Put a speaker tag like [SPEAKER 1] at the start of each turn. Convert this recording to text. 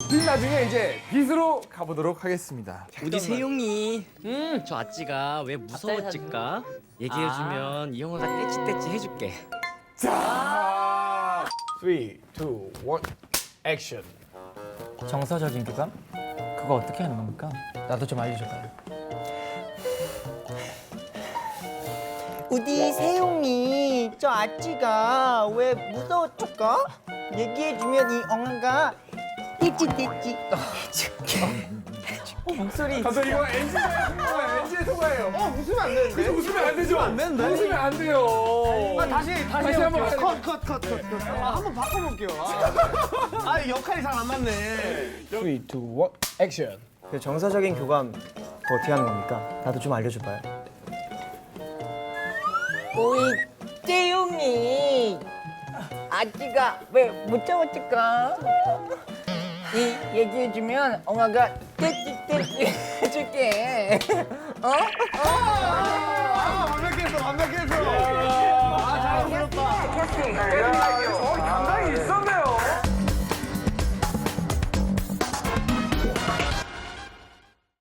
[SPEAKER 1] 빚 나중에 이제 빚으로 가보도록 하겠습니다.
[SPEAKER 2] 우리 세용이 저 아찌가 왜 무서웠을까 얘기해주면 이 영화가 떼찌떼찌 해줄게.
[SPEAKER 1] 자,
[SPEAKER 3] 3, 2, 1, 액션.
[SPEAKER 4] 정서적인 교감? 그거 어떻게 하는 겁니까? 나도 좀 알려줘봐요.
[SPEAKER 5] 우리 세용이 저 아찌가 왜 무서웠을까? 얘기해주면 이 엉아가 떼찌떼찌
[SPEAKER 4] 목소리.
[SPEAKER 1] 감독 이거 NG의 통과예요.
[SPEAKER 3] 웃으면 안 되는데?
[SPEAKER 1] 그래서 웃으면 안 되죠?
[SPEAKER 3] 안 되는데?
[SPEAKER 1] 웃으면 안 돼요.
[SPEAKER 3] 다시
[SPEAKER 1] 한번
[SPEAKER 3] 해볼게요.
[SPEAKER 1] 가야
[SPEAKER 3] 컷. 한번 바꿔볼게요. 역할이 잘 안 맞네. 3, 2, 1, 액션.
[SPEAKER 5] 그 정서적인 교감 그거 어떻게 하는 겁니까? 나도 좀 알려줘봐요. 우리 세용이 아찌가 왜 무서웠을까? 이 얘기해주면 엉아가 떼찌떼찌 해줄게. 어?
[SPEAKER 3] 완벽했어.